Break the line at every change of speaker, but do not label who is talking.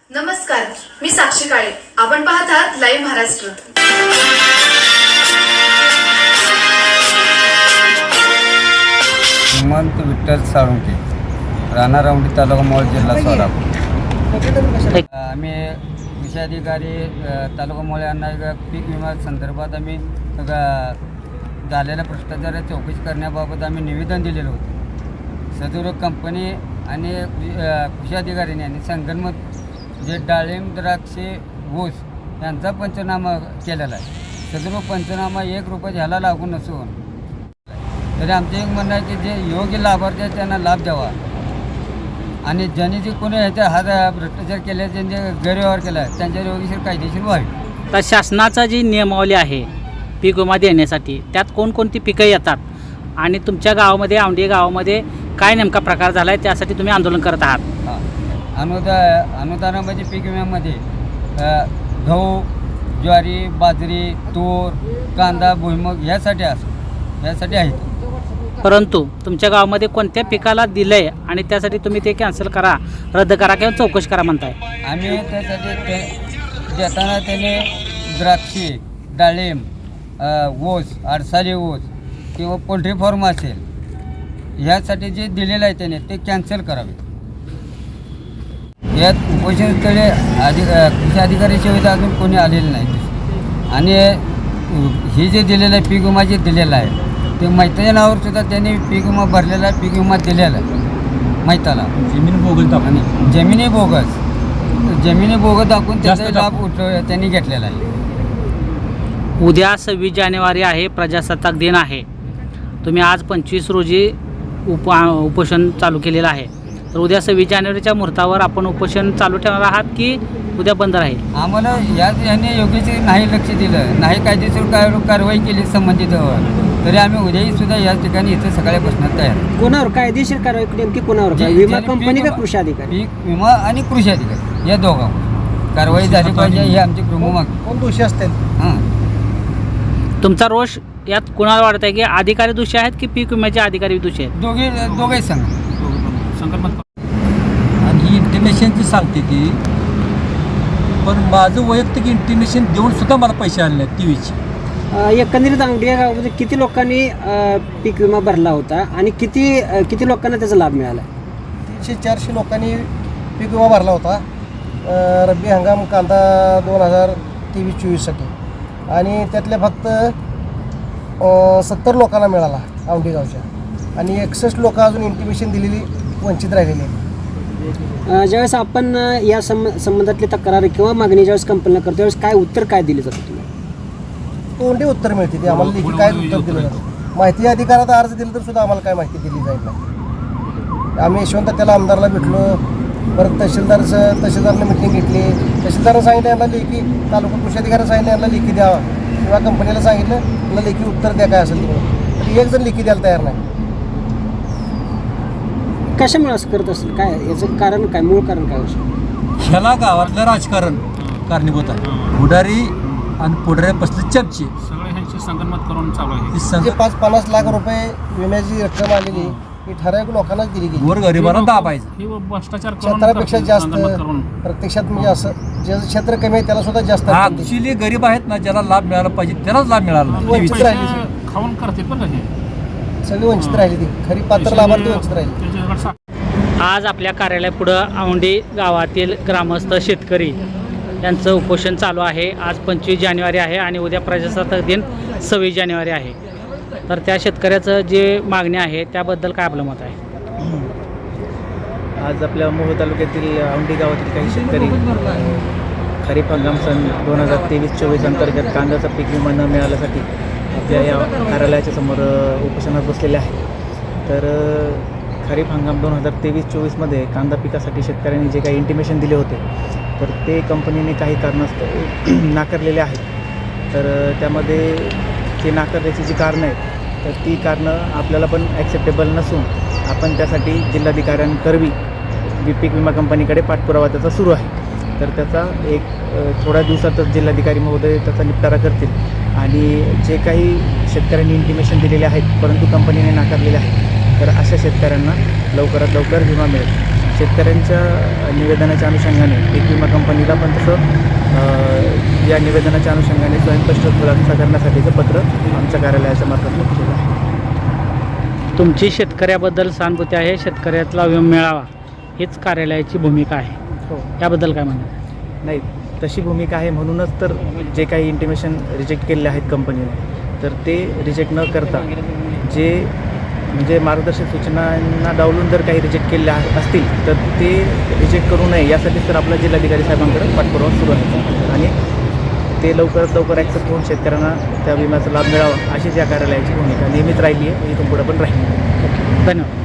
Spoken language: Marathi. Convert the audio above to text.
नमस्कार, मी साक्षी काळे. आपण पाहत आहात लाईव्ह महाराष्ट्र.
हेमंत विठ्ठल साळुंके, राहणार औंढी, तालुका मोहोळ, जिल्हा सोलापूर. आम्ही कृषी अधिकारी तालुका मोहोळ यांना पीक विमा संदर्भात आम्ही झालेल्या भ्रष्टाचाराची चौकशी करण्याबाबत आम्ही निवेदन दिलेलं होतं. सदर कंपनी आणि कृषी अधिकाऱ्यांनी आणि संगनमत जे डाळिंब, द्राक्षे, ऊस यांचा पंचनामा केलेला आहे. सदर पंचनामा 1 रुपया ह्याला लागू नसून तरी आमचं एक म्हणणं आहे की जे योग्य लाभार्थी आहेत त्यांना लाभ द्यावा आणि ज्यांनी जे कोणी ह्याच्या हा भ्रष्टाचार केला, ज्यांचे गैरव्यवहार केला त्यांच्यावर योग्यशीर कायदेशीर व्हावी.
तर शासनाचा जी नियमावली आहे पीक विमा देण्यासाठी, त्यात कोणकोणती पिकं येतात आणि तुमच्या गावामध्ये, औंढी गावामध्ये काय नेमका प्रकार झाला आहे त्यासाठी तुम्ही आंदोलन करत आहात?
अनुदानामध्ये पीक विम्यामध्ये गहू, ज्वारी, बाजरी, तूर, कांदा, भुईमूग यासाठी आहेत.
परंतु तुमच्या गावामध्ये कोणत्या पिकाला दिलं आहे आणि त्यासाठी तुम्ही ते कॅन्सल करा, रद्द करा किंवा चौकशी करा म्हणताय?
आम्ही त्यासाठी देताना त्याने द्राक्षे, डाळिंब, ऊस, आडसाली ऊस किंवा पोल्ट्री फार्म असेल ह्यासाठी जे दिलेलं आहे त्याने ते कॅन्सल करावे. यात उपोषणस्थळी कृषी अधिकारी सेवेत अजून कोणी आलेलं नाही आणि हे जे दिलेलं आहे पीक विमा जे दिलेला आहे ते मैताच्या नावावर सुद्धा त्यांनी पीक विमा भरलेला आहे, पीक विमा दिलेला आहे मैताला.
जमीन बोगस
आणि जमिनी बोगस दाखवून त्याचा लाभ त्यांनी घेतलेला आहे.
उद्या 26 जानेवारी आहे, प्रजासत्ताक दिन आहे. तुम्ही आज 25 रोजी उपोषण चालू केलेलं आहे. तर उद्या 26 जानेवारीच्या मुहूर्तावर आपण उपोषण चालू ठेवणार आहात की उद्या बंद राहील?
आम्हाला यांनी योग्य नाही लक्ष दिलं, नाही कायदेशीर कारवाई केली संबंधितवर, तरी आम्ही उद्याही सुद्धा या ठिकाणी इथं सकाळी बसण्यात तयार.
कोणावर कायदेशीर कारवाई नेमकी कोणावर? विमा कंपनी का कृषी अधिकारी?
पीक विमा आणि कृषी अधिकारी या दोघांवर कारवाई झाली पाहिजे ही आमची प्रमुख मागणी.
कोण दोषी असतील?
हां,
तुमचा रोष यात कुणाला वाटत आहे की अधिकारी दोषी आहेत की पीक विम्याचे अधिकारी दोषी आहेत?
दोघेही सांग.
आणि ही इंटिमेशनची सांगते ती, पण माझं वैयक्तिक इंटिमेशन देऊन सुद्धा मला पैसे आले नाहीत टीव्हीचे.
एकंदरीत औंढी या गावामध्ये किती लोकांनी पीक विमा भरला होता आणि किती लोकांना त्याचा लाभ मिळाला?
300-400 लोकांनी पीक विमा भरला होता. रब्बी हंगाम कांदा 2023-24साठी आणि त्यातल्या फक्त 70 लोकांना मिळाला औंढी गावच्या आणि 61 लोक अजून इंटिमेशन दिलेली वंचित राहिलेली आहेत.
ज्यावेळेस आपण या संबंधातली तक्रार किंवा मागणी ज्यावेळेस कंपनीला करतो त्यावेळेस काय उत्तर काय दिले जातं तुम्हाला?
तोंडी उत्तर मिळते ते आम्हाला लेखी काय उत्तर दिलं जातं. माहिती अधिकारात अर्ज दिला तर सुद्धा आम्हाला काय माहिती दिली जाईल नाही. आम्ही यशवंत त्याला आमदारला भेटलो, परत तहसीलदारने मिटिंग घेतली. तहसीलदारानं सांगितलं यांना लेखी, तालुका कृषी अधिकाऱ्यानं सांगितलं यांना लेखी द्यावा किंवा कंपनीला सांगितलं यांना लेखी उत्तर द्या काय असेल तुम्ही, तर एक जण लेखी द्यायला तयार नाही.
कशामुळे असं करत असेल? काय याचं कारण काय, मूळ कारण काय असेल?
ह्याला गावातलं राजकारण कारणीभूत आहे. पुढारी आणि पुढाऱ्या बसले चमचे
सगळे ह्यांची संगनमत करून चालू आहे.
म्हणजे 5-50 लाख रुपये विम्याची रक्कम आलेली ही ठराविक लोकांनाच दिली गेली.
वर गरिबांना दाबायचं.
ही भ्रष्टाचार
क्षेत्रापेक्षा जास्त
करून
प्रत्यक्षात म्हणजे असं ज्याचं क्षेत्र कमी आहे त्याला सुद्धा जास्त रक्कम दिली.
ऍक्च्युली गरीब आहेत ना, ज्याला लाभ मिळाला पाहिजे त्यालाच लाभ मिळाला नाही.
वंचित राहिली
पैसे खाऊन करतील बघा हे
सगळी वंचित राहिली, ती खरी पात्र लाभार्थी वंचित राहिली.
त्याच्याकडे
आज आपल्या कार्यालयापुढं औंढी गावातील ग्रामस्थ शेतकरी यांचं उपोषण चालू आहे. आज 25 जानेवारी आहे आणि उद्या प्रजासत्ताक दिन 26 जानेवारी आहे. तर त्या शेतकऱ्याचं जे मागणी आहे त्याबद्दल काय आपलं मत आहे?
आज आपल्या मोहोळ तालुक्यातील औंढी गावातील काही शेतकरी खरीप हंगाम सन 2023-24 अंतर्गत कांद्याचा पीक विमा न मिळाल्यासाठी आपल्या या कार्यालयाच्या समोर उपोषणात बसलेले आहे. तर खरीप हंगाम 2023-24मध्ये कांदा पिकासाठी शेतकऱ्यांनी जे काही इंटिमेशन दिले होते तर ते कंपनीने काही कारणास्तव नाकारलेले आहेत. तर त्यामध्ये ते नाकारण्याची जी कारणं आहेत तर ती कारणं आपल्याला पण ॲक्सेप्टेबल नसून आपण त्यासाठी जिल्हाधिकाऱ्यांकरवी पीक विमा कंपनीकडे पाठपुरावा त्याचा सुरू आहे. तर त्याचा एक थोड्या दिवसातच जिल्हाधिकारी महोदय त्याचा निपटारा करतील आणि जे काही शेतकऱ्यांनी इंटिमेशन दिलेले आहेत परंतु कंपनीने नाकारलेले आहेत तर अशा शेतकऱ्यांना लवकरात लवकर विमा मिळेल. शेतकऱ्यांच्या निवेदनाच्या अनुषंगाने पीक विमा कंपनीला पण तसं या निवेदनाच्या अनुषंगाने स्वयंस्पष्ट खुलासा करण्यासाठीचं पत्र आमच्या कार्यालयाच्या मार्फत केलं आहे.
तुमची शेतकऱ्याबद्दल सहानुभूती आहे, शेतकऱ्यातला मिळावा हीच कार्यालयाची भूमिका आहे.
हो
याबद्दल काय म्हणतात?
नाही, तशी भूमिका आहे म्हणूनच तर जे काही इंटिमेशन रिजेक्ट केलेले आहेत कंपनीने तर ते रिजेक्ट न करता जे म्हणजे मार्गदर्शक सूचनांना डावलून जर काही रिजेक्ट केले असतील तर ते रिजेक्ट करू नये यासाठीच तर आपला जिल्हाधिकारी साहेबांकडे पाठपुरावा सुरू आहे आणि ते लवकरात लवकर ॲक्सेप्ट होऊन शेतकऱ्यांना त्या विम्याचा लाभ मिळावा अशीच या कार्यालयाची भूमिका नेहमीच राहिली आहे, इथून पुढे पण राहील.
धन्यवाद.